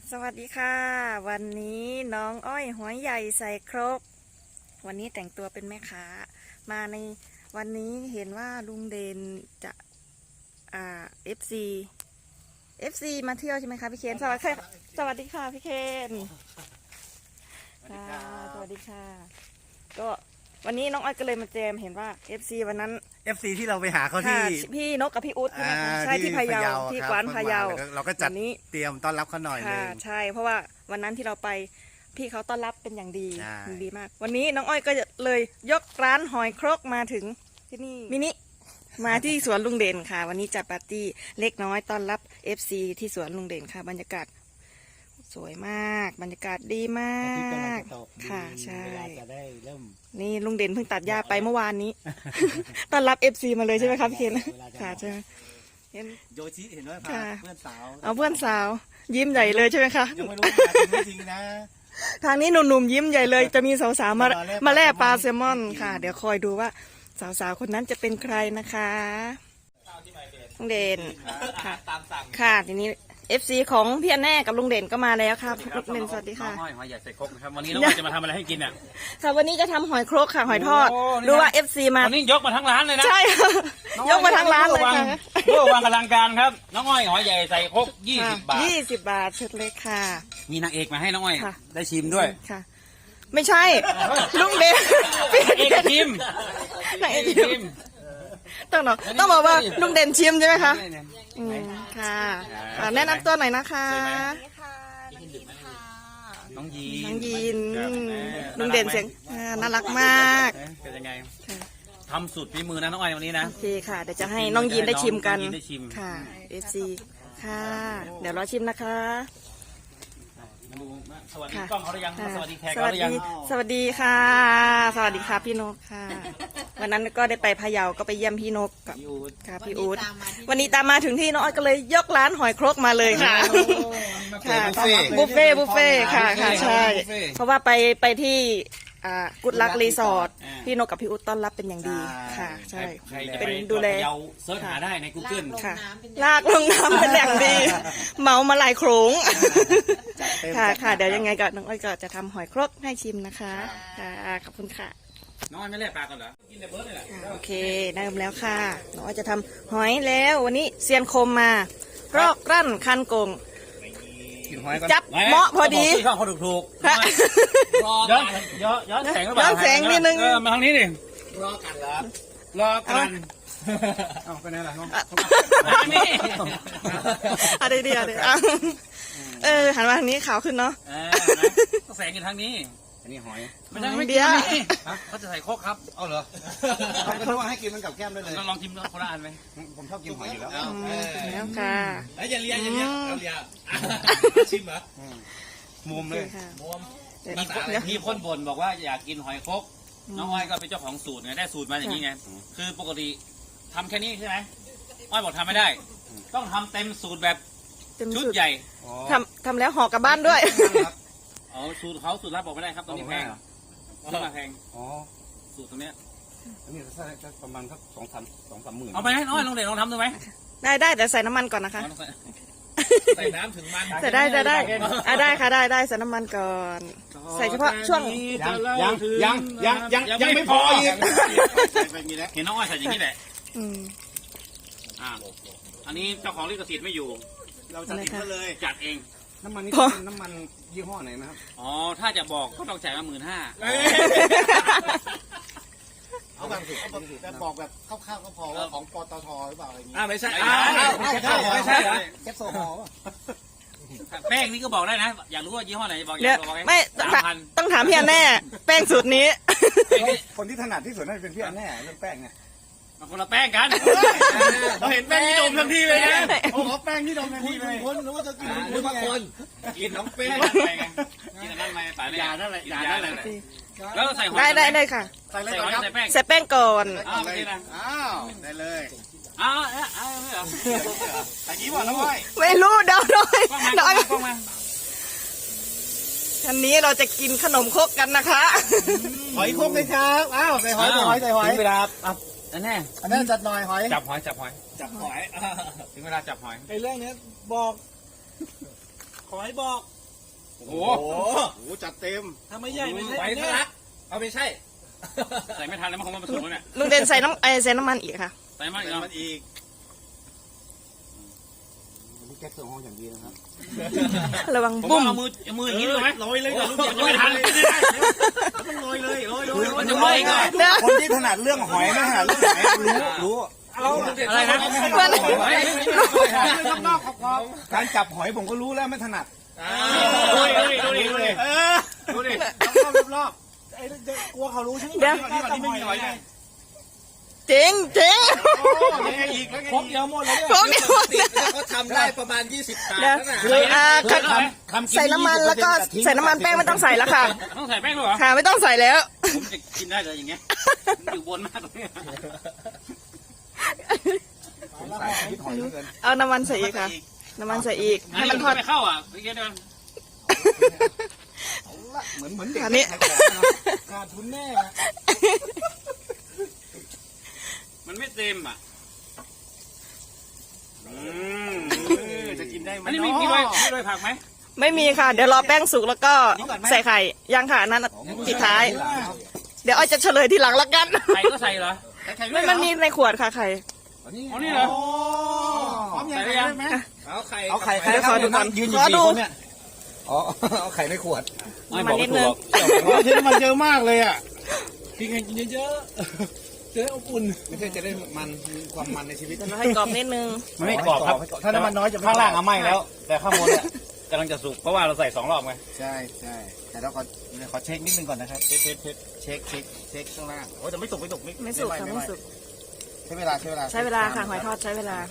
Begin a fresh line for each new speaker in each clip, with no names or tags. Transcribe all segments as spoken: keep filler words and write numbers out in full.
สวัสดีค่ะวันนี้น้องอ้อยหัวใหญ่ใส่ครกวันนี้แต่งตัวเป็นแม่ค้ามาในวันนี้เห็นว่าลุงเดนจะอ่าเอฟซีเอฟซีมาเที่ยวใช่ไหมคะพี่เคนสวัสดีค่ะสวัสดีค่ะพี่เคนค่ะสวัสดีค่ะก็วันนี้น้องอ้อยก็เลยมาแจมเห็นว่า เอฟ ซี วันนั้น
เอฟ ซี ที่เราไปหาเขาที่
พี่นกกับพี่อุ๊ดใช่ไหมคะใช่ที่พะเยาที่กวานพะเยา
เราก็จัดนี้เตรียมต้อนรับเขาหน่อยนึง
ใช่เพราะว่าวันนั้นที่เราไปพี่เขาต้อนรับเป็นอย่างดีดีมากวันนี้น้องอ้อยก็เลยยกร้านหอยครกมาถึงที่นี่มินิมาที่สวนลุงเด่นค่ะวันนี้จัดปาร์ตี้เล็กน้อยต้อนรับ เอฟ ซี ที่สวนลุงเด่นค่ะบรรยากาศสวยมากบรรยากาศดีมากค่ะใช่นี่ลุงเด่นเพิ่งตัดหญ้าไปเมื่อวานนี้ต้อนรับ เอฟ ซี มาเลยใช่ไหมครับพี่เคนค่ะใช่ไหมเห็น
โยชิเห็นว่าพาเพื่อนสาว
เอาเพื่อนสาวยิ้มใหญ่เลยใช่ไหมคะ
ยังไม่รู้จริงนะ
ทางนี้หนุ่มๆยิ้มใหญ่เลยจะมีสาวๆมามาแล่ปลาแซลมอนค่ะเดี๋ยวคอยดูว่าสาวๆคนนั้นจะเป็นใครนะคะลุงเด่นค่ะค่ะทีนี้เอฟซีของพี่อันแน่กับลุงเด่นก็มาแล้วครับลุงเด่นสวัสดีค่ะ
หอยใหญ่ใส่ครกนะครับวันนี้เราจะมาทำอะไรให้กินอ่ะ
ค่ะวันนี้จะทำหอยครกค่ะหอยทอดดูว่าเอฟซีมา
วันนี้ยกมาทั้งร้านเลยนะ
ใช่ยกมาทั้งร้านเลยค่ะ
เพื่อวางกำลังการครับน้องอ้อยหอยใหญ่ใส่ครกยี่สิบบาท
ยี่สิบบาทชุดเล็กค่ะ
มีนางเอกมาให้น้องอ้อยได้ชิมด้วย
ค่ะไม่ใช่ลุงเด่น
เอกชิม
นางเอกชิมต้องบอกต้องบอกว่าลุงเด่นชิมใช่ไหมคะอืมค่ะแนะนำตัวหน่อยนะคะ
น้องยี
นน้องยีนลุงเด่นเสียงน่ารักมาก
เป็นยังไงทำสุดฝีมือนะน้องอ้อยวันนี้นะ
โอเคค่ะเดี๋ยวจะให้น้องยีนได้ชิมกันค่ะเอฟซีค่ะเดี๋ยวรอชิมนะคะ
สวัสดีกล้องเขาหรือยังสวัสดีแขกเขาหรือยัง
สวัสดีค่ะสวัสดีค่ะพี่นกค่ะวันนั้นก็ได้ไปพะเยาก็ไปเยี่ยมพี่นกกับค่ะพี่อู๊ดวันนี้ตามมาถึงที่น้องอ้อยก็เลยยกร้านหอยครกมาเลยค่ะค่ะบุฟเฟ่บุฟเฟ่ค่ะค่ะใช่เพราะว่าไปไปที่กุดลักรีสอร์ทพี่นกกับพี่อุ๊ดต้อนรับเป็นอย่างดีค่ะใช่เป็นดูแล
เสิร์ชหาได้ใน กูเกิล
ค่ะลากลงน้ำเป็นอย่างดีเมามาหลายโขลงค่ะค่ะเดี๋ยวยังไงก็น้องอ้อยก็จะทำหอยครกให้ชิมนะคะค่ะขอบคุณค่ะ
น้องอ้อยไม่เล่นปลากันเหรอกินแต่เบิร์ดเลยแหละ
โอเคเริ่มแล้วค่ะน้องอ้อยจะทำหอยแล้ววันนี้เซียนคมมารอกรั่นคันโกงจับเหมาะพอดี
ข้าวเขาถูกถูกย้อนย้อนย้อนแสง
ย้อนแสงนิดนึง
มาทางนี้ดิ
รอกันเหรอ
รอกัน
เอาไปไหนล่ะน้อง
นี่
อะไรดีอะไรเออหันมาทางนี้ขาวขึ้นเนาะ
แสงอยู่ทางนี้
อันนี้หอย
ไม่ใช่ไม่เดียวเขาจะใส่โคกครับ
เอาเหรอเขาว่าให้กินมันกับแก้มได้เลย
ลองชิมคนละอันไหม
ผมชอบกินหอยอยู่แล้ว
แล้วค่ะ
แล้วอย่าเลียอย่าเลียเราเลียชิมเหรอมุมเลยมุมมีคนบ่นบอกว่าอยากกินหอยครกน้องอ้อยก็เป็นเจ้าของสูตรไงได้สูตรมาอย่างนี้ไงคือปกติทำแค่นี้ใช่ไหมอ้อยบอกทำไม่ได้ต้องทำเต็มสูตรแบบชุดใหญ่
ทำทำแล้วห่อกลับบ้านด้วย
อ๋อสูตรเขาสูตรลับบอกไม่ได้ครับตอนนี้แพงราคาแพงอ๋อสูตรตรงนี้
อันนี้สักประมาณสักสองสามสองสามหมื่น
เอาไปให้น้อยลองเด็กลองทำดูไหม
ได้ได้แต่ใส่น้ำมันก่อนนะคะ
ใส่น้ำถึงมัน
ใส่ได้ได้ได้อ่ะได้ค่ะได้ได้ใส่น้ำมันก่อนใส่เฉพาะช่วง
ยังยังยังยังยังไม่พออีก
เห็นน้องอ้อยใส่อย่างนี้แหละอ่าอันนี้เจ้าของลิขสิทธิ์ไม่อยู่
เราจัดเองเลย
จัดเอง
น้ำมันนี่น้ำมันยี่ห้อไหนนะครับ
อ๋อถ้าจะบอกก็ต้องจ่ายมาหมื่นห้า
เอาแบบแต่บอกแบบคร่าวๆก็พอว่าของปตทหรือเปล่าอะไรอย่างงี้
อ่าไม่ใช่
ไม่ใช่ไม่ใช่แคปโซฮอล์
แป้งนี่ก็บอกได้นะอยากรู้ว่ายี่ห้อไหนบอก
อยากบอกไม่ต้องถามพี่อันแน่แป้งสูตรนี้
คนที่ถนัดที่สุดน่าจะเป็นพี่อันแน่เรื่องแป้งไง
คนละแป้งกันเราเห็นแป้งนี่ดมทันทีเลยนะ
โอ้โหแป้งนี่ดมทันทีเลยคนหรือว่าจะกินหรือบางคนกินน้องแป้ง
กินนั่นไหมป่าเนี่ย
ยานั่นแหละยานั่นแหละ
แล้วใส่หอย
ได้ได้ได้ค่ะ
ใส่อะไรก่อนครับ
ใส่แป้งก่อน
อ้าวไม่ได้นะ
อ้าวได้เลย
อ้าวเอ้ยอ้าวไม่เหรอ
อันนี้ว่าแล้วไม่
ไม่รู้เดาหน่อยเดาทันนี้เราจะกินขนมครกกันนะคะ
หอยครกเลยครับอ้าวใส่หอยใส่หอยใส่หอย
เวลาอันนี้
อันนี้จัดหน่อยหอย
จับหอยจับหอยจับหอยถึงเวลาจับหอย
ไอ้เรื่องนี้บอกหอยบอก
โอ้โห
โอ้โหจัดเต็ม
ถ้าไม่ใหญ่ไม่ใช่
ไป
เนี่
ทะ
ย
ลักเอาไปใช่ ใส่ไม่ทันแล้วมันคงมาผสมแล้วเนี่ย
ลุงเด่นใส่น้ำไอใส่น้ำมันอีกค่ะ
ใส่มากอีก
ใส่
แล้ว
มันอีกวันนี้แก๊สโซฮอลอย่างดีนะครับ
ระวัง
ผม
บุ้
ว่าม เอามือเอามืออย่างนี้ดีกว่าไหม
โรยเลยก่อนลูก
มันจะไม่ทัน
ต้องโรยเลยโรยโรยโร
มัน
ย
จะไหม้ก่อน
เดี๋ยว
คนที่ถนัดเรื่องหอยไม่ถนัดเรื่องไหนรู้รู้
เอา
อะไรนะ
มัน
นอกขอบการจับหอยผมก็รู้แล้วไม่ถนัด
ดูดิดูดิดูดิ
เออ
ดูดิ
รอบรอบ
ไอ้กลัวเขารู้ใช่ไหม
เดี๋ยว
นี่ไม่มีหอยไง
เจ๋งเจ๋ง
แล้วไงอีกแล้วไง
ครบเดียวหมดเลย
พวกนี้หมดเลย
เขาทำได้ประมาณยี่สิบถาด
เดี๋ยว
นั่นน่ะ
คืออ่า
คือทำทำกิ
ใส่น้ำมันแล้วก็ใส่น้ำมันแป้งไม่ต้องใส่แล้วค่ะ
ต้องใส่แป้งด้วยเหรอ
ค่ะไม่ต้องใส่แล้ว
ผมจะกินได้เลยอย่างเงี้ยอยู่บนมากเลย
ใส่พิษหอยเหลือเกิน
เอาน้ำมันใส่อีกค่ะ น้ำมันใส่อีก ให้มันทอด
ไม่เข้าอ่ะเมื่อกี้เดิน
เหมือนเหมือนเด็ก
อันนี้
ขายของเนอะ
ขาดทุนแน่
มันไม่เต็มอ่ะ
อืมจะกินได้ไหม
อันนี้มีมีโรยมีโรยผักไหม
ไม่มีค่ะ เดี๋ยวรอแป้งสุกแล้วก็ใส่ไข่ยังค่ะอันนั้นปิดท้าย เดี๋ยวอ้อยจะเฉลยทีหลังละกัน
ไข่ก็ใส่เหรอ
ไม่มันมีในขวดค่ะไข่
อ๋อนี่เหรอ
พร้อมยัง
ใส่
ไง
ยัง
ได้ไหม
เอาไข่
เอาไข่
เดี๋ยวขอดูก่อน
ยืนอยู่
ขอ
กี่
ดู
คนเนี่ยอ๋อเอาไข่ในขวด
ไม่
มา
บอก
นิ
ไม่
ด
ถู
นึ
ก
ง
หรอก
เชื่อมันเยอะมากเลยอ่ะ
กินกันกินเยอะๆจะได้อบอุ่น
ไม่ใช่จะได้มันมีความมันในชีวิต
เดี๋ยวเราให้กรอบนิดนึง
มันไม่กรอบครับ
ถ้าน้ำมันน้อยจะไม่
ข้างล่างอะไหม้แล้ว แต่ข้างบนเนี่ยกำลังจะสุกเพราะว่าเราใส่สองรอบไง
ใช่ใช่แต่เราขอขอเช็คนิดนึงก่อนนะครับเช็คเช็คเช็คเช็คเช็คเช็คข้างล่างโอ้แต่ไม่สุกไม่สุก
ไม่สุกค่ะไม่สุก
ใช้เวลาใช้เวลา
ใช้เวลาค่ะหอยทอดใช้เวลา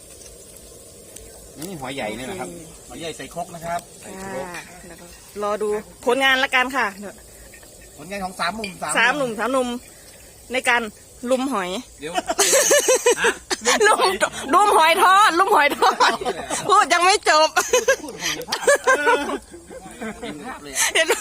นี่หอยใหญ่เนี่ยนะครับหอยใหญ่ใส่ครกนะครับ
ค่ะแล้วก็รอดูผลงานละกันค่ะเดี๋ยว
ผลงานของสามหนุ่ม
สามหนุ่มสามหนุ่มในการลุมหอย
เดี๋ยว
ลุมลุมหอยทอดลุมหอยทอดพูดยังไม่จบ
เห็นภาพเลย
เห็นไหม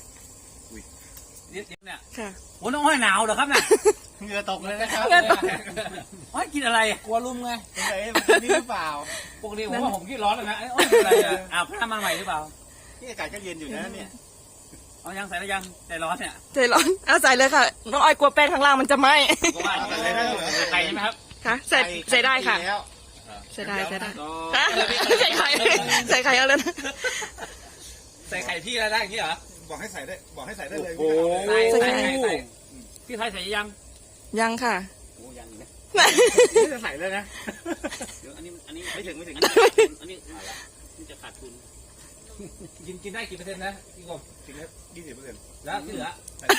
เนี่ย
ค่ะ
โอ้น้องห้อยหนาวเหรอครับเนี่ย
เหงื่อตกเลยนะครับ
เหงื่อตก
ห้อยกินอะไร
กลัวลุมไง
สงสัยมันกินนี่หรือเปล่า
ปกติผมว่าผมขี้ร้อนเลยนะไอ้ห้อยกินอะไรอ่ะอ้าวพามาใหม่หรือเปล่า
ที่อากาศก็เย็นอยู่นะเนี่ย
เอายังใส่แล้วยังใจร้อนเนี่ย
ใจร้อนเอาใส่เลยค่ะน้องอ้อยกลัวแป้งข้างล่างมันจะไหม้
ก็ว่าใส่ได้ใส่ใช่ไหมครับ
ค่ะใส่ใส่ได้ค่ะ
แล้ว
ใส่ได้ใส่ได้
ก็
ฮะใส่ไข่ใส่ไข่เอาเลยนะ
ใส่ไข่พี่แล้วได้อย่างนี้เหรอ
บอกให้ใส่ได้บอกให้ใส่ได้เลย
โอ้
ใส่
ใส่
ใส่
ใส่ใส่พี่ไทยใส่ยัง
ยังค่ะ
โอ้ยังนะ
นี่จะใส่เลยนะ
เดี๋ยวอันนี้อันนี้
ไม่ถึงไม่ถึง
อันนี้อันนี้นี่จะขาดทุน
กินกินได้กี่เปอร์เซ็นต์นะพี่กบ
ถึงแล้วยี่สิบเปอร์เซ็นต์
แล้วที่เหลือ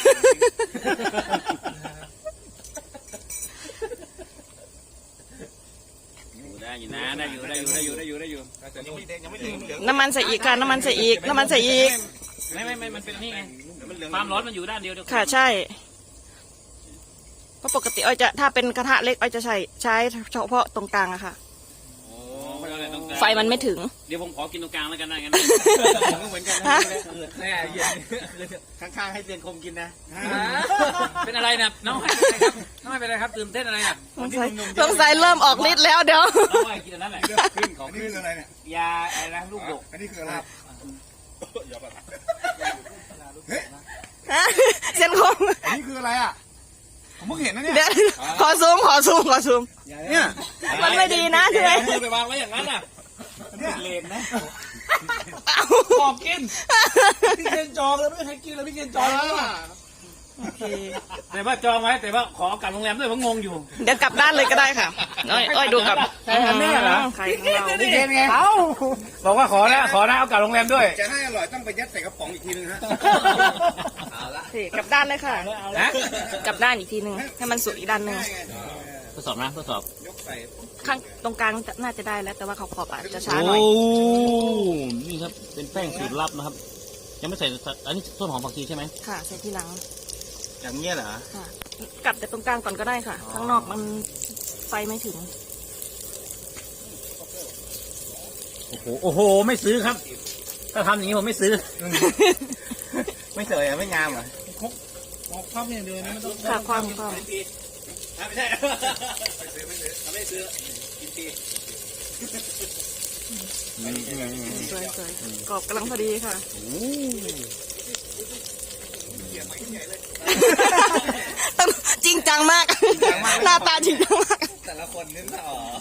อยู่ได้อยู่นะได้อยู่ได้อยู่ได้อยู่ได้อยู่ได้อยู่
แต่ยังไม่ยังไม่ถึงเหลือง
น้ำมันใส่อีกค่ะน้ำมันใส่อีกน้ำมันใส่อีก
ไม่ไม่ไม่มันเป็นนี่ไง
มันเหลือง
ความร้อนมันอยู่ด้านเดียวเดียว
ค่ะใช่เพราะปกติอ้อยจะถ้าเป็นกระทะเล็กอ้อยจะใช้ใช้เฉพาะตรงกลางอะค่ะ
โอ้ไม่เอาอะไรตรงกลาง
ไฟมันไม่ถึง
เดี๋ยวผมขอกินตรงกลางแล้วกันนะงั้น
ผมก็เหมือนกัน
ฮะ
เกิดแน่เย็น
ข้างๆให้เตียนคมกินนะ
เป็นอะไรนะน้องให้เป็นอะไรครับน้องให้เป็นอะไรครับตื่นเต้นอะไรน่ะ
สงสัยสงสัยเริ่มออกฤทธิ์แล้วเดี๋ยว
น้องให้กินอันนั้นแหละ
ขึ้นของขึ้นอะไรเนี่ย
ยาอะไรนะลูกดก
อันนี้คืออะไร
ฮะเส้นคง
อันนี้คืออะไรอ่ะผมเพิ่งเห็นนะเนี่ย
เดี๋ยวขอซูมขอซูมขอซูม
เนี่ย
มันไม่ดีนะใช่ไหม
มือไปวางไว้อย่างนั้นน่ะ
เนี่ย
เลนนะ
เอา
บอกกินพี่เกณฑ์จองแล้วไม่ให้กินแล้วพี่เกณฑ์จองแล้ว
โอเค
แต่ว่าจองไว้แต่ว่าขอกลับโรงแรมด้วยเพราะงงอยู่
เดี๋ยวกลับด้านเลยก็ได้ค่ะอ้อยอ้อยดูกลับ
ใช่ครับเนี่ยเหรอ
ไข่ของเรา
นี่เห็นไง
เอาบอกว่าขอนะขอนะเอากลับโรงแรมด้วย
จะให้อร่อยต้องไปยัดใส่กระป๋องอีกทีนึงฮะ
เอาละ
โอเคกลับด้านเลยค่ะ
นะ
กลับด้านอีกทีหนึ่งให้มันสุกอีกด้านหนึ่ง
ทดสอบนะทดสอบ
ยกใส่
ข้างตรงกลางน่าจะได้แล้วแต่ว่าขอบขอบอาจจะช้าหน่อย
นี่ครับเป็นแป้งสูตรลับนะครับ ยังไม่ใส่อันนี้ต้นหอมผักชีใช่ไหม
ค่ะใส่ทีหลัง
อย่างเงี้ยเหรอ
ค่ะกัดแต่ตรงกลางก่อนก็ได้ค่ะ ข้างนอกมันไฟไม่ถึง
โอ้โหโอ้โหไม่ซื้อครับ ถ้าทำอย่างนี้ผมไม่ซื้อ
ไม่สวยอ่ะไม่งามเหรอ
บอกความอย่างเดียวนะไม่ต้อง
ค่ะความความ
ไม่ใช่ไม่ซื้อไม่ซื้อไม่ซื้อกินที
สวยสวยกรอบกำลังพอดีค่ะต้องจริงจังมาก หน้าตาจริงจังมาก
แต่ละคนนึกออก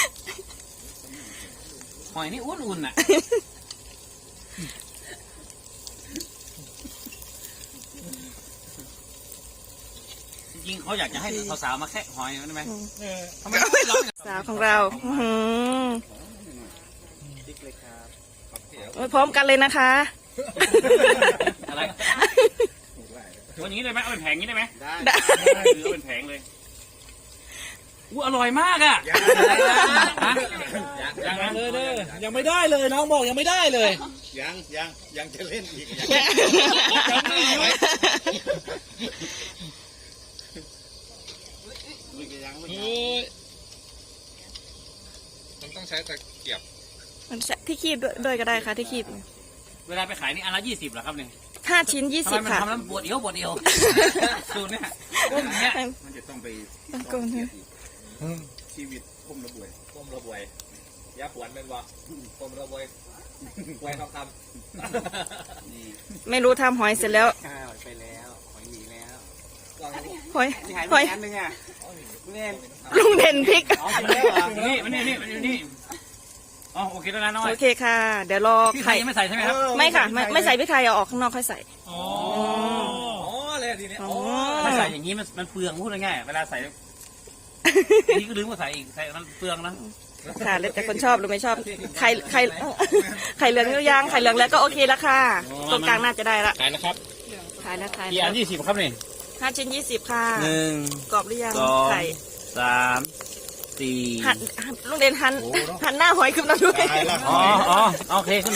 หอยนี่อุ่นๆน่ะจริงเขาอยากจะให้สาวๆมาแค่หอยได้ไหมทำไมไม่ร้อง
สาวของเราอื้อหือโอ้ยพร้อมกันเลยนะคะ
อะไรวันนี้ได้ไหมเอาเป็นแผงนี้ได้ไหม
ได้
หรือเอาเป็นแผงเลยอู้อร่อยมากอ่ะยังยัง
เลยเลยยังไม่ได้เลยน้องบอกยังไม่ได้เลย
ยังยังยังจะเล่นอีก
โอ้ย
มันต้องใช้ตะเกียบ
มันที่คีบด้วยด้วยก็ได้ค่ะที่คีบ
เวลาไปขายนี่อันละยี่สิบเหรอครับเนี่ย
ห้าชิ้นยี่
ทำ
สิ
ไม
บ
มัน
ค่ะ
ทำแล้วปวดเอวปวดเอวสูตรเนี่ยก้มเนี่ย
มันจะต้องไป
ตะโกนเนี่ย
ชีวิตก้มระบวย
ก้มระบวยยาปวดเป็นบ่ก้มระบวยบวยทองคำนี่
ไม่รู้ทำหอยเสร็จแล้ว
ข้าวไปแล้วหอยหนีแล้ว
หอย
นี่หาย
ห
ไป
อย
อันนึงอ่ะเล่น
ลุงเด่นพริก
อ๋อจริงแล้วเหรอ
นี่มันนี่นี่มันนี่อ๋อโอเคแล้วนะน้อย
โอเคค่ะ เดี๋ยวรอ
พี่ไข่
ไข่
ยังไม่ใส่ใช่ไหมครับ
ไม่ค่ะ ไม่ไม่ใส่พริกไทยเอาออกข้างนอกค่อยใส่
อ๋อ
อ๋อเลยทีนี้
อ๋อ
ถ้าใส่อย่างนี้มันมันเปลืองพูดง่ายๆเวลาใส่นี่ก็ลืมว่าใส่อีกใส่มันเปลืองนะ
ค่ะแล้วแต่คนชอบหรือไม่ชอบไข่ไข่ไข่เหลืองหรือยังไข่เหลืองแล้วก็โอเคแล้วค่ะตรงกลางน่าจะได้ละ
ขายนะครับ
ขายแล้วขาย
กี่
แล้
อั
วน
ยี่สิบครับนี่
ห้าชิ้นยี่สิบค่ะ
หนึ่ง
กรอบหรือยัง
สอง
ไข่
สามสี่
หันหันลุงเด่นหันหันหน้าหอยขึ้นมาด้วย
อ๋ออ๋อโอเคขึ้นไป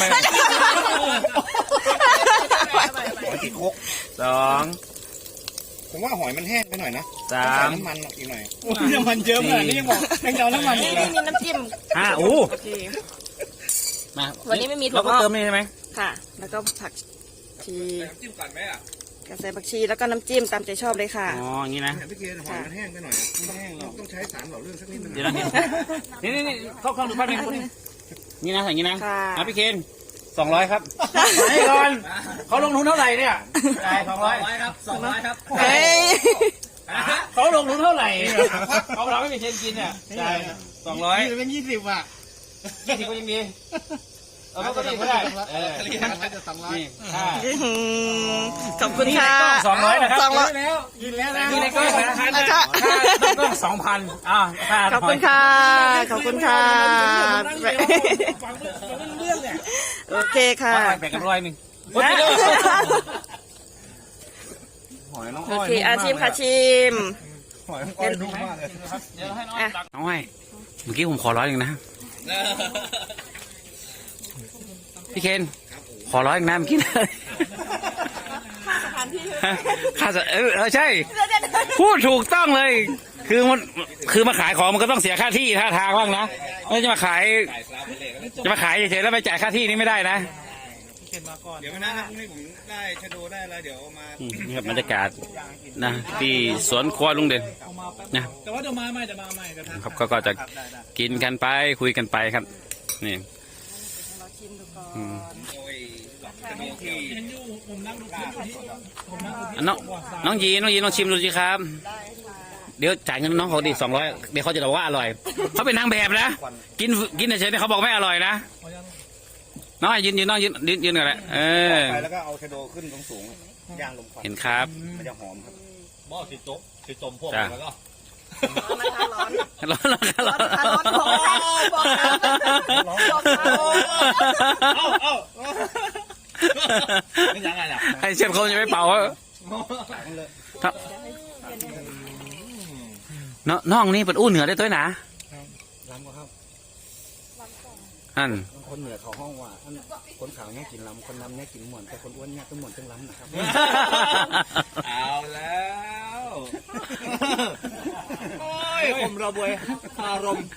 หอยที่คก
สอง
ผมว่าหอยมันแห้งไปหน่อยนะ
สา
ใส่
ม
น้ำมันอีกหน่อย
น้ำมันเยอะขนาดนี้ยังบอกยังจะเอาน้ำมันอี
นี่
กเหรอ
นี่มีน้ำจิ้ม
ห้าอู้
โอเค
มา
วันนี้ไม่มีถั่ว
เราก็
งอก
เติมนี่ใช่ไหม
ค่ะ แล้วก็ผักชี
จิ้มก่อนไหมอ่ะ
กระใส่ผักชีแล้วก็น้ำจิ้มตามใจชอบเลยค่ะ
อ๋ออย่างนี้นะ
พี่เกณฑ์หอยมันแห้งไปหน่อยไม่แห้งหรอกต้องใช้สารหล่อลื่นสักนิดนึง
เดี๋ยวนะนี่นี่นี่เข้าเข้าดูแป๊บนึงนี่นะอย่างนี้นะ
ค่ะ
อ่ะพี่เคนสองร้อยครับให้ก่อนเขาลงทุนเท่าไหร่เนี่ยจ่ายสองร้อยครับสองร้อยครับ
เฮ้ย
เขาลงทุนเท่าไหร่เขาเราไม่มีเชนกินเนี่ยจ่ายสองร้อย
เป็นยี่สิบอ่ะ
ยี่สิบก็ยังดีเออก็ดีก็ได้เออ
เรียกอะไรจะสองร้อย
นี่ค่า
อื้อหือขอบคุณค่ะ
สองร้อยนะครับ
สองร้อย
แล้วกินแล้วนะ
นี่ในกล้องนะ
ค่ะ
ค่าต้องสองพันอ่าค่า
ขอบคุณค่ะ ขอบคุณค่ะ
ฟังไม่รู้เรื่องเนี่ย
โอเคค่ะ
แบ่งกันร้อยหนึ่ง
หอยน้อง
โอ
อ้อย
เคอาชิมค่ะชิม
หอยน้องอ้อยนุ่มมากเลย
เดี๋ยวให้น้องตักน้องไอ้เมื่อกี้ผมขอร้อยหนึ่งนะพี่เคนขอร้อยหนึ่งนะเมื่อกี้ค่าสเออเออใช่ พูดถูกต้องเลย คือมันคือมาขายของมันก็ต้องเสียค่าที่ท่าทางบ้างนะไม่จะมาขายจะมาขายเฉยๆแล้วไปจ่ายค่าที่นี่ไม่ได้นะ
เดี๋ยวนะพรุ่งนี้ผมได้ชะโดได้แล้วเดี๋ยวมา
อืมนี่ครับบรรยากาศนะที่สวนครัวลุงเด่นนะ
แต่ว่าเดี๋ยวมาใหม่เดี๋ยวมาใหม่เดี๋ยวทำ
ครับก็ก็จะกินกันไปคุยกันไปครับนี่อืม
โอ้ยจะมีที่
เห็นอยู่ผมนั่งดูคลิปอยู่ที่ผมนั่งดูคลิป
อ่ะน้องน้องยีนน้องยีนลองชิมดูสิครับ เดี๋ยวจ่ายเงินน้องเขาดิสองร้อยเดี๋ยวเขาจะบอกว่าอร่อยเขาเป็นนางแบบนะกินกินเฉยๆเขาบอกไม่อร่อยนะน้องยืนยืนน้องยืนยืนยืนกันแหละเออ
ไปแล้วก็เอาชะโดขึ้นสูงๆย่างลมควัน
เห็นครับ
มันจะหอมครับ
บ่อสิโต๊ะสิจมพวก
จ้ะ
แล้วก็
ร้อน
ร้อนร้อนร้อน
ร้อนบอกบอกบอก
เอ้าเอ้าไม่ยังไงล่ะ
ให้เชฟเขาจะไม่เป่าครับน้องน้องนี่เป็นอู้เหนือได้ตัวหนา
ล้ำก็ครับ
อัน
คนเหนือเขาห้องว่าอันคนขาวเนี่ยกินล้ำคนล้ำเนี่ยกินหมวนแต่คนอ้วนเนี่ยต้องหมวนต้องล้ำนะครับ
เอาแล้วโอ้ยผมระบวยอารมณ์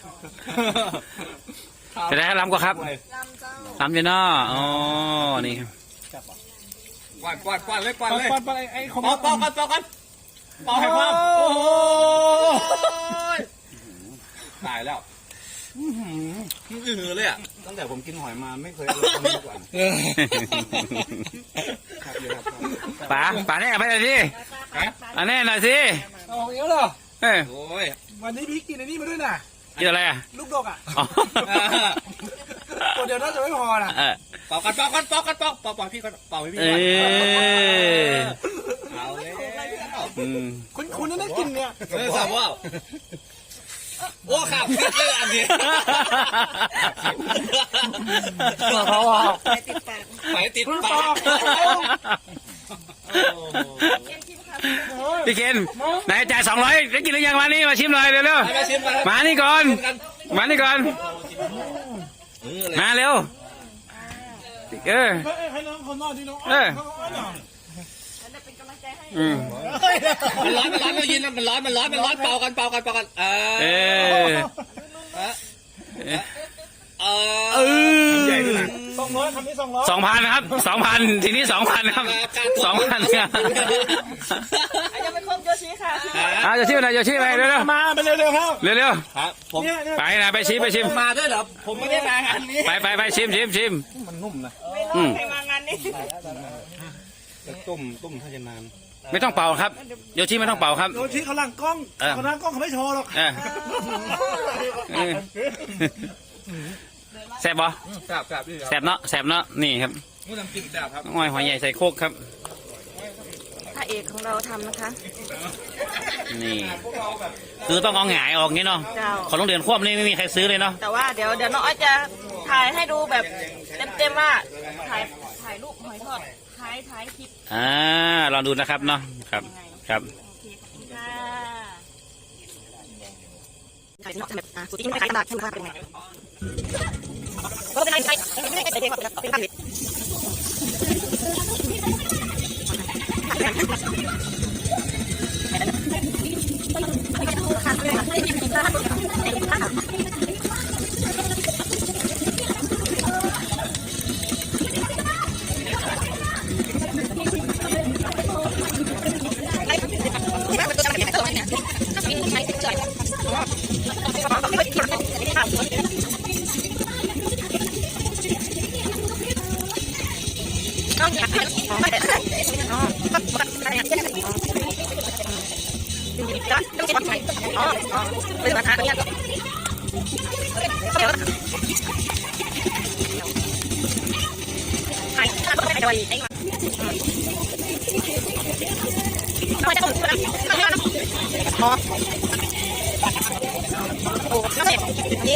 จะได้ล้ำก็ครับล้ำจะนออ๋อนี่ครับ
กวาดกวาดกวาดเลยกวาด
ป
เลย
อนปอนไอ้ของ
ปอกปอกกันปอกกันปอกให้ความ
โอ้
ตายแล้ว
อื้อหือเลยอ่ะ
ตั้งแต่ผมกินหอยมาไม่เคยอร่อยเท่านี้มาก่อนครับเยอะครับ
ป๋าป๋าแน่ไปหน่อยสิป๋าแน่หน่อยสิ
เอาเยอะเหรอ
เออ
โอ้ยวันนี้พี่กินอันนี้มาด้วยนะ
กินอะไรอ่ะ
ลูกดกอ่ะ
อ๋อ
ตัวเดียวน่าจะไม่พอนะ
เออ
เป่ากันเป่ากันเป่ากันเป่าเป่าเป่าพี่ก่อนเป่าให้พี่
เอ
ก่อน
อ
เอาเลย
อืม
คุณคุณนี่ได้กินเนี่ย
เออสาวว่าโอ้ขาดพิษเลยอันนี้
เขาอ่ะ
ไปติดปาก
ไปติดปาก
พี่เคนไหนจ่ายสองร้อยได้กินหรือยังมานี่มาชิมหน่อยเร็ว
มาชิมมา
ๆมานี่ก่อนมานี่ก่อนมาเร็วเออ
ให้น้องคนนอกที่น้อง
เอออืม
มันร้อนมันร้อนเรายินมันร้อนมันร้อนมันร้อนเป่ากันเป่ากันเป่ากันเอ
เอ
อ
อ
เอ
เอ
อ
อ
สองร้อยคำนี้สองร้อย
สองพันครับสองพันทีนี้สองพันครับสองพันครับ
อาจจะเป็นครบโยชิค่ะ
เอาจะชิมอะไรจะชิมอะไรเร็ว
มาไปเร็วๆครับ
ๆเร็ว
ครับผม
เนี่ยเนี่ย
ๆไปนะไปชิมไปชิม
มาด้วยเหรอผมไม่ได้มางานนี้
ไปไปไปชิมชิมชิม
มันนุ่มนะ
ไม่รอดใครมางานนี้
แต่ต้มต้มถ้าจะนาน
ไม่ต้องเป่าครับโยชิไม่ต้องเป่าครับ
โดนชี้เขาหลังกล้อง
เออ
เขาหลังกล้องเขาไม่โชว์หรอก
เออเออแซ่บบ่
แซ่บแซ่บพี่ครับ
แซ่บเนาะแซ่บเนาะนี่ครับ
มูน้ำจิ้มแซ่บครับ
น้องอ้อยหอยใหญ่ใส่โคกครับ
พระเอกของเราทำนะคะ
นี่คือต้องเอาหงายออกงี้เนาะ
เจ้า
ของโรงเรียนควบนี่ไม่มีใครซื้อเลยเนาะ
แต่ว่าเดี๋ยวเดี๋ยวน้องอ้อยจะถ่ายให้ดูแบบเต็มๆว่าถ่ายถ่ายรูปหอยทอดท้ายท้ายคลิป
อ่าลองดูนะครับเนาะครับครับ
โอเคขอบคุณค่ะถ่ายเนาะแบบอ่ะสุดที่ไม่ขายกระดาษให้ดูว่าเป็นไงก็เป็นไรใช่ไม่ได้ใส่เองแบบเป็นผ้าเหล็กต้องอยากให้อ๋อไม่ได้อ๋อต้องอะไรอย่างเงี้ยต้องใช้ไฟอ๋ออ๋อเป็นราคาเนี่ยเดี๋ยวขายข้าวต้มไก่ดอยไอ้มาเราจะต้มเพื่ออ๋อโอ้น้ำเสร็จนี่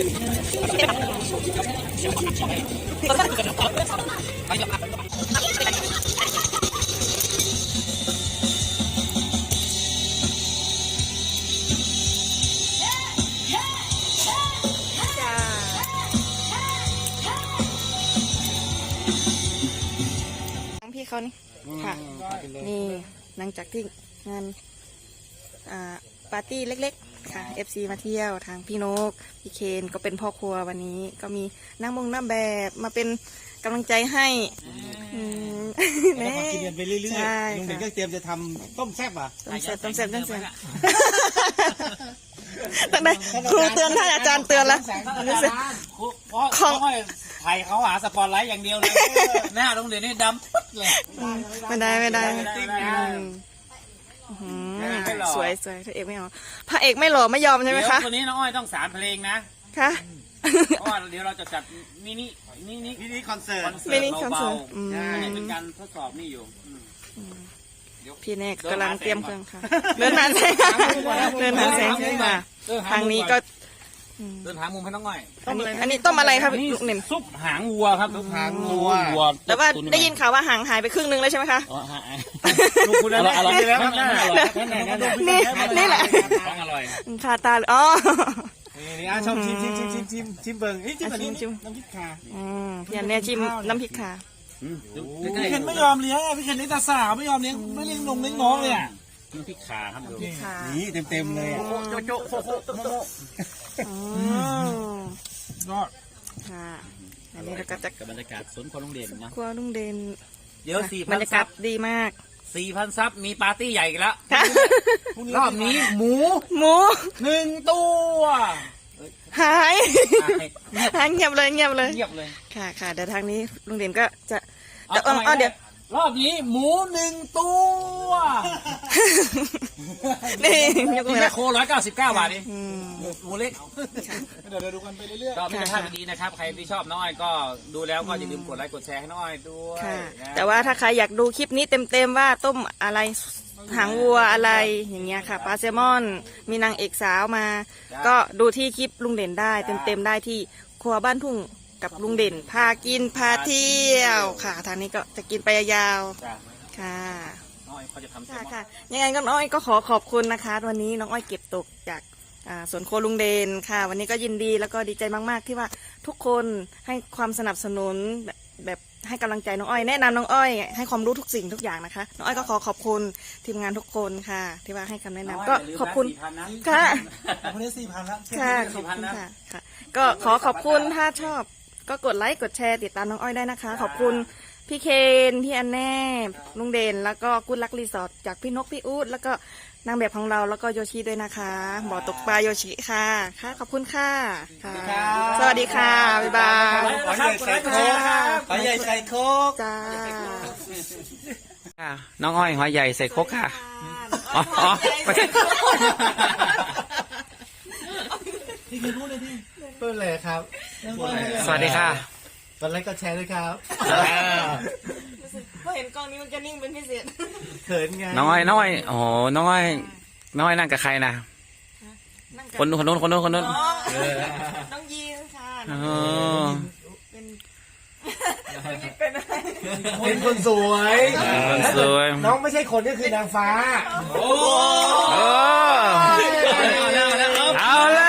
พี่เขานี่ค่ะนี่หลังจากที่งานอ่าปาร์ตี้เล็กๆค่ะ เอฟ ซี มาเที่ยวทางพี่นกพี่เคนก็เป็นพ่อครัววันนี้ก็มีนั่งมงนั่งแบบมาเป็นกำลังใจให้อืม
แม่กินกันไปเรื่อย
ใช่
ๆลุงเด่นก็เตรียมจะทำต้มแซ่บอ่ะ
ต้มแซ่บต้มแซ่บต้มแซ่บตั้งแต่ครูเตือนท่านอาจารย์เตือนแล้วรู้สึก
เพราะเขาไทยเขาหาสปอร์ตไลท์อย่างเดียวเลยหน้าโรงเรียนนี่ดำปึ๊ดเลย
อืมไม่ได้ไม่ได้
ไม่ได้
อืมสวยสวยพระเอกไม่เอาพระเอกไม่หล่อไม่ยอมใช่ไหม
เดี๋ยว
คะ
คนนี้น้องอ้อยต้องสารเพลงนะ
ค่ะ
เพราะว่าเดี๋ยวเราจะจัดมินิมินิ
มินิคอนเสิร์ต
คอนเสิ
มิ
ร์
นิ
ต
คอนเสิ
เบา
ร์ตอืม
ๆใช่เป็นการทดสอบนี่อยู่อืม
พี่เนกกำลังเตรียมเครื่องค่ะเดินหาแสงเดินหาแสงขึ้นมาทางนี้ก็อืม
เดินหามุมให้น้องอ้อย
อันนี้อันนี้ต้มอะไรครับ
นี่
ลูกหนึ่ง
ซุปหางวัวครับ
ซุปหางวัว
วัว
แต่ว่าได้ยินข่าวว่าห่างหายไปครึ่งนึงแล้วใช่ไหมคะ
อ๋อฮะ
ลูกคุณอร่อยอร่อยแล้วครับ
นี่นี่แหละ
ของอร่อย
คาตาเลยอ๋อ
นี่อ่ะชอบชิมชิมชิมชิมชิมชิมเบิ่งเอ้ยชิมแบบนี้
ชิม
น้ำพริกขา
อืมพี่อันเนี้ยชิมน้ำพริกค่ะ
อืมดู
พี่
ใกล้
เคนไม่ยอมเลี้ยงอ่ะพี่เคนเลี้ยงแต่สาวไม่ยอมเลี้ยงไม่เลี้ยงนงเลี้ยงน้องเลยอ่ะ
ๆน้ำพริกขาครับดู
ค่ะ
นี่เต็มเต็มๆเลยอ่ะ
โจ๊ะโจ๊ะโจ๊ะโจ๊ะโจ๊ะโจ๊ะ
อืม
ยอด
ค่ะอันนี้เราก็จะ
กับบรรยากาศสวนคนโรงเรียนนะ
ครัวลุงเดน
เดี๋ยวสี่
บ
พั
ร
น
รยา
ซั
กาศ
บ
ดีมาก
สี่พันซับมีปาร์ตี้ใหญ่อีกแล้ว
ค่ะ
รอบนี้หมู
หมู
หนึ่งตัว
หายหายเงียบเลยเงียบเลย
เงียบเลย
ค่ะค่ะเดี๋ยวทางนี้ลุงเด่นก็จะ
เอา
จะเออ
เอา
เอาเดี๋ยว
รอบนี้หมูหนึ่งตัว
นี่ยก
นี่
มือ
แม่
ละ
โคร้อยเก้าสิบเก้าบาทเอง
อืม
หมูเล็ก
เดี๋ยวเราดูกันไปเรื่อย
ก็ไม่ใช่ภาพดีๆนะครับ ใครที่ชอบน้องอ้อยก็ดูแล้วก็อย่าลืมกดไลค์กดแชร์ให้น้องอ้อยด้วย
ค่ะ
นะ
แต่ว่าถ้าใครอยากดูคลิปนี้เต็มๆว่าต้มอะไรหางวัวอะไรอย่างเงี้ยค่ะปลาแซลมอน มีนางเอกสาวมา ก็ดูที่คลิปลุงเด่นได้เต็มๆได้ที่ครัวบ้านทุ่งกับลุงเด่น พากินพาเที่ยวค่ะ ทางนี้ก็จะกินไปยาว
จ้ะ
ๆค่ะ
น้องอ้อยเขาจะทำแซล
ค่ะ
มอน
ค่ะยังไงก็น้องอ้อยก็ขอขอบคุณนะคะ วันนี้น้องอ้อยเก็บตกจากอ่าสวนโคลุงเดนค่ะ วันนี้ก็ยินดีแล้วก็ดีใจมากๆ ที่ว่าทุกคนให้ความสนับสนุนแบบแบบให้กำลังใจน้องอ้อยแนะนำน้องอ้อยให้ความรู้ทุกสิ่งทุกอย่างนะคะน้องอ้อยก็ขอขอบคุณทีมงานทุกคนค่ะ ที่ว่าให้คำแนะนำก็ขอบคุณ
น้งย
ค่ะ
ๆคนนี้สี่พันแล้ว
ค่ะขอบคุณค่ะค่ะ ก็ขอขอบคุณถ้าชอบก็กดไลค์กดแชร์ติดตามน้องอ้อยได้นะคะ ขอบคุณพี่เคนพี่อันแน่ลุงเด่นแล้วก็กุ๊ดลักรีสอร์ทจากพี่นกพี่อู๊ดแล้วก็นางแบบของเราแล้วก็โยชิด้วยนะคะบ่อตกปลาโยชิค่ะค่ะขอบคุณค่ะค่ะ สวัสดีค่ะบ๊ายบาย
ขอใหญ่ใส่โค้กขอใหญ่ใส่โค้ก
จ้า
ค่ะน้องอ้อยหอยใหญ่ใส่ครกค่ะอ๋ออ๋อไม่ใช่
ที่คือพูดเลยที่
ต้นเลยครับ
สวัสดีค่ะ
กดไลค์กดแชร์ด้วยครับ
พอเห็นกล้องนี้มันจะนิ่งเป็นพิเศษ
เขินไง
น้องอ้อยน้องอ้อยโอ้โหน้องอ้อยน้องอ้อยนั่งกับใครนะคนคนนู้นคนนู้นคนนู้น
น้องยีนค่ะ
อ๋อ
เป็นเป็นอะไร
เป็นคนสวย
คนสวย
น้องไม่ใช่คนก็คือนางฟ้า
โอ้เอาละ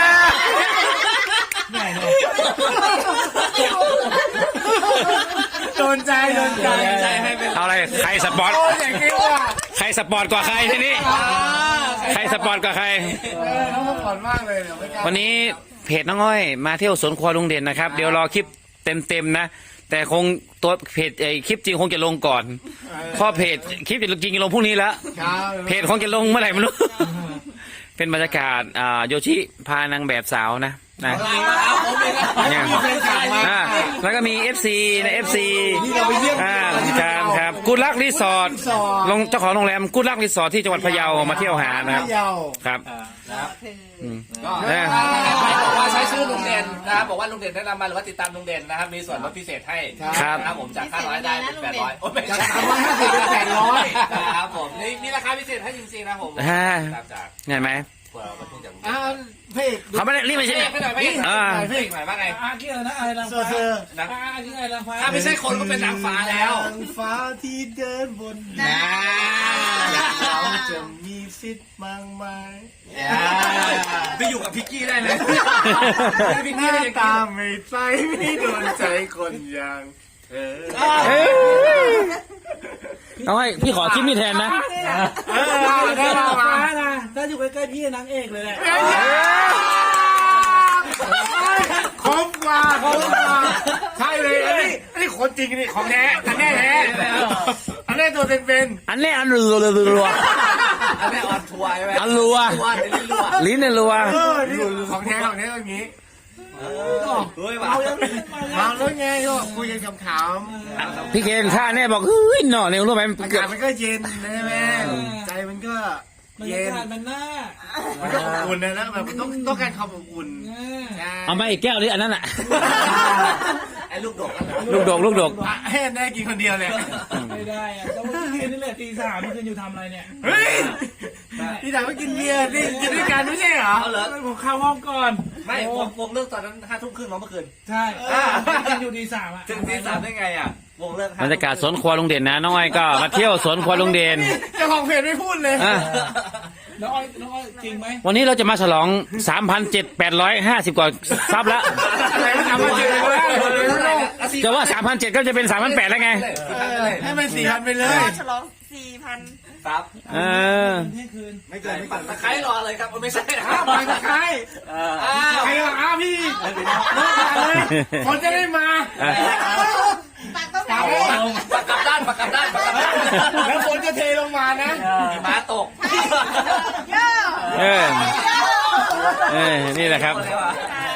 โดนใจโดนใจ
เอาอะไรใครสปอร์ต
โอ้ยอย่างนี้ว่ะ
ใครสปอร์ตกว่าใครทีนี้ใครสปอร์ตกว่าใคร
เออน้องมาก่อนมากเลยเดี๋ยวไม่กล้า
วันนี้เพจน้องอ้อยมาเที่ยวสวนครัวลุงเด่นนะครับ เดี๋ยวรอคลิปเต็มๆนะ แต่คงตัวเพจไอคลิปจริงคงจะลงก่อนเพราะเพจคลิปจริงจะลงพรุ่งนี้แล้ว
ครับ
เพจคงจะลงเมื่อไหร่ไม่รู้ เป็นบรรยากาศอ่าโยชิพานางแบบสาวนะนะเนี่ยอ่าแล้วก็มี เอฟ ซี นะ เอฟ ซี
นี่เราไปเยี่ยม
อ่าครับครับกุดลักรีสอร์ทลงเจ้าของโรงแรมกุดลักรีสอร์ทที่จังหวัดพะเยามาเที่ยวหานะครับ
พะเยา
ครับ
ก็
เออ
บอกว่าใช้ชื่อลุงเด่นนะครับบอกว่าลุงเด่นแนะนำมาหรือว่าติดตามลุงเด่นนะครับมีส่วนลดพิเศษให้
ครับ
นะครับผมจากห้าร้อยได้เป็นแปดร้อยโอ้ไม่
จาก
ใช่
สามร้อยห้าสิบเป็นแปดร้อย
ครับผมนี่มีราคาพิเศษให้จริงๆนะผม
ฮ่า
ตามจาก
เห็นไหม
เผื่อมันทุ่งจากลุง
อ้าวเพก
เขาไม่ได้รีบไปใช่
เอ๊ะไม่หน่อยไม่หน่อย
อ่า
ไม่หน่อยว่าไง
อาที่อะไรนะอะไรนาง
เซอ
ฟ้า
ร์เซอร์
นะ
อาที่อะไรนางฟ้า
ถ้าไม่ใช่คนก็เป็นนางฟ้าแล้ว
นางฟ้าที่เดินบน
นะ
เราจะมีสิทธิ์มากมาย
ไปอยู่กับพิกกี้ได้เลยพิก
ห
กี้
น้า
ได้ยัง
ตาไม่ใสไม่โดนใจคนอย่างเธอ
น้องอ้อยพี่ขอคลิปนี้แทนนะ
เออได้
นาง
มา
ฟ้านะถ้าอยู่ใกล้ๆพี่นางเอกเลยแหละ
ครบกว่าครบกว่าใช่เลยอันนี้อันนี้คนจริงนี่ของแท้อันแน่แท้อันแน่ตัวเป็น
อันนี้อันรัวรัวรัว
อันนี้ออนทัวร์ใช่ไหม
อันรัว
ทัวร์เดี๋ยวนี้รัว
ลิ้นเนี่ยรัว
ๆเออนี่ของแท้ของแท้อย่างนี้
เฮ้ยว่ะ
มาแล้วไงก็คุยกันขำ
พี่เคนข้าเนี่ยบอกเฮ้ยหน่อเนี่ยรู้ไหม
ๆอากาศมันก็เย็นนะแม่ใจมันก็
บรร
เย็
ยาน กาศมันน่า
มันก็อบอุ่นนะแล้วแบบต้องต้องการความอบอุ่น
เอามาอีกแก้วดิอันนั้นอ่ะ
ไอ้ลูกดก
ลูกดกลูกดก
อ่ะให้แน่กินคนเดียวเลย
ไม่ได้อะแล้วเมื่อคืนนี่แหละตีสามเมื่อคืนอยู่ทำอะไรเนี่ย
เฮ้ยพี่ถามว่ากินเบียร์นี่กินด้วยกันไม่ใช่เหรอ
เอาเหรอ
ผมเข้าห้องก่อน
ไม่วงวงเลิกตอนนั้นห้าทุ่มครึ่งเมื่อคืน
ใช่กินอยู่ตีสามอ่ะ
ถึงตีสามได้ไงอ่ะวงเลิก
บรรยากาศสวนครัวลุงเด่นนะน้องอ้อยก็มาเที่ยวสวนครัวลุงเด่น
เจ้าของเพจไม่พูดเลย
อ่ะ
น้องอ้อยน้องอ้อยจริงไหม
วันนี้เราจะมาฉลอง สามพันเจ็ดพันแปดร้อยห้าสิบ กว่าซับแล้ว
อะไรก็ถามว่าเจอเลย
จะว่า สามพันเจ็ดพัน ก็จะเป็น สามพันแปดพัน แล้วไง
ให้มันสี่พันไปเลย
ฉลองสี่พัน
ครับ
เออ
เที่ยงคืน
ไม่เกินไม่
ปั
เกิ
ด
น
ตะไคร้รอเลยครับไม่ใช่นะ
อ้าวไปกับใคร
อ้าว
ใครกับอ้าวพี่เลยคนจะได้มา
ตักต้อง
ถาม
ปักกลับด้านปักกลับด้านปักกลับด้าน
แล้วฝนจะเทลงมานะ
หิมะตก
เยอะ
เออ เออ นี่แหละครับ
ค่ะ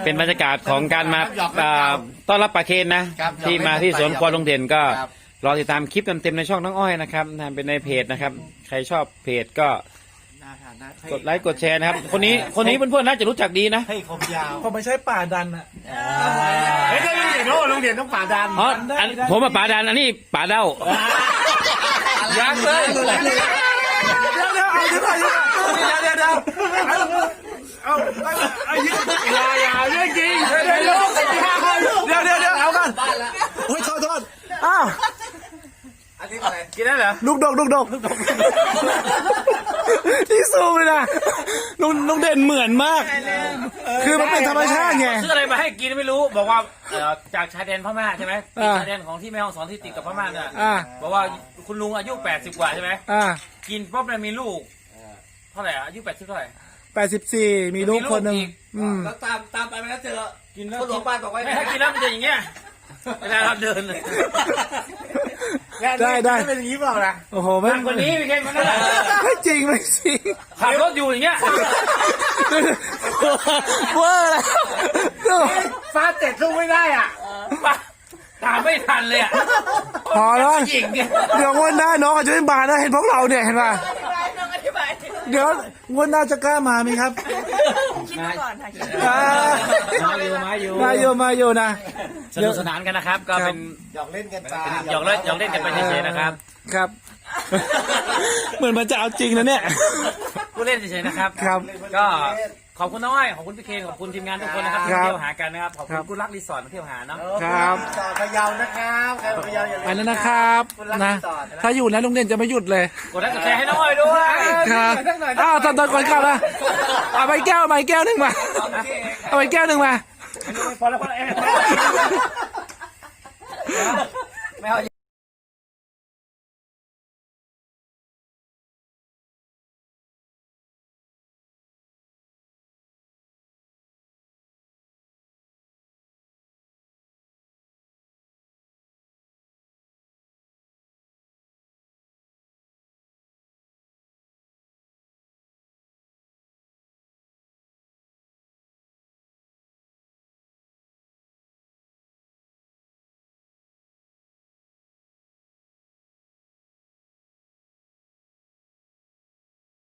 เป็นบรรยากาศของการมาอ่าต้อนรับปลาเคนนะครับ ที่มาที่สวนควายลุงเด่นก็
ครับ
รอติดตามคลิปเต็มๆในช่องน้องอ้อยนะครับนะเป็นในเพจนะครับ ใครชอบเพจก็กดไลค์กดแชร์นะครับ คนนี้คนนี้เพื่อนๆน่าจะรู้จักดีนะ
ให้คมยาว
ผมไม่ใช่ป่าดันอ่ะ
เฮ้ยลุงเด่นโอ้ลุงเด่นต้องป่าดัน
อ๋ออันผมมาป่าดันอันนี้ป่าเด้า
ยังเลย
เดี๋ยวเดี๋ยวเอาเดี๋ยวก่อนเดี๋ยวเดี๋ยวเดี๋ยว
เอาเอาอย่าอย่าเรื่องจริงเดี๋ยวเดี๋ยว
เดี๋ยวเดี๋ยวเดี๋ยวเอากันโอ้ยโทษโทษอ้าว
อันนี้อะไร
กินได้เหรอ
ลูกดกลูกดกที่สูงเลยนะลุงลุงเด่นเหมือนมาก คือมันเป็นธรรมชาติไง
ซื้ออะไรมาให้กินไม่รู้บอกว่าเอ่อจากชายแดนพม่าใช่ไหม
อ่า
ชายแดนของที่แม่ฮ่องสอนที่ติดกับพม่าเนี่ย
อ่า
บอกว่าคุณลุงอายุแปดสิบกว่าใช่ไหม
อ่า
กินปุ๊บเนี่ยมีลูกเท่าไหร่อะอายุแปดสิบเท่าไหร่
แปดสิบสี่มีลูกคนหนึ่ง
มีลูกอีก
อืม
แล้วตามตามไปไหมแล้วเจอ
กินแล้ว
คนหลวงบ้านบอกไว้
ไม่ถ้ากินแล้วมันจะอย่างเงี้ยเวลาเราเดินเลย
ได้ได้
เป็นอย่างนี้เปล่านะ
โอ้โห
ห
ไม่
นักกว่านี้พี่เคนมันนั่นแหละ
ไม่จริงไม่จริง
ขับรถอยู่อย่างเงี้ย
เวอร์แล้วดู
ฟาดเจ็ดสู้ไม่ได้อ่ะ
ตามไม่ทันเลยอ่ะ
พอแล้ว
หญิงเนี่ย
เดี๋ยวงวดหน้าน้องอาจจะไม่มานะเห็นพวกเราเนี่ยเห็นป่ะ
น้องอธิบาย
เดี๋ยวงวดหน้าจะกล้ามาไหมครับ
คิดมาก่อนค่ะคิด
อ่า
มาอยู่มาอยู่
มาอยู่มาอยู่นะ
สนุกสนานกันนะครับ ก็เป็น
หยอกเล่นกันไป
หยอกเล่นหยอกเล่นกันไปเฉยๆนะครับ
ครับ เหมือนมันจะเอาจริงนะเนี่ย
ผู้เล่นเฉยๆนะครับ
ครับ
ก็ขอบคุณน้องอ้อยขอบคุณพี่เคนขอบคุณทีมงานทุกคนนะครับที่
ครับ
เที่ยวหากันนะครับขอบ
ครั
คุณ
บ
กุลักรีสอร์ทมาเที่ยวหาเนาะ
ครับ
ต่อพะเยานะครับใครพะเยาอย่าลืม
อันนั้นนะครับนะถ้าอยู่นะลุงเด่นจะไม่หยุดเลย
กดไลค์กดแชร์ให้น้องอ้อยด้วย
ครับอ้าวตอนตอนก่อนกลับนะเอาไปแก้วเอาไปแก้วหนึ่งมาเอาไปแก้วหนึ่งมา
พอแล้วพอแล้วเอ้ยไม่เอา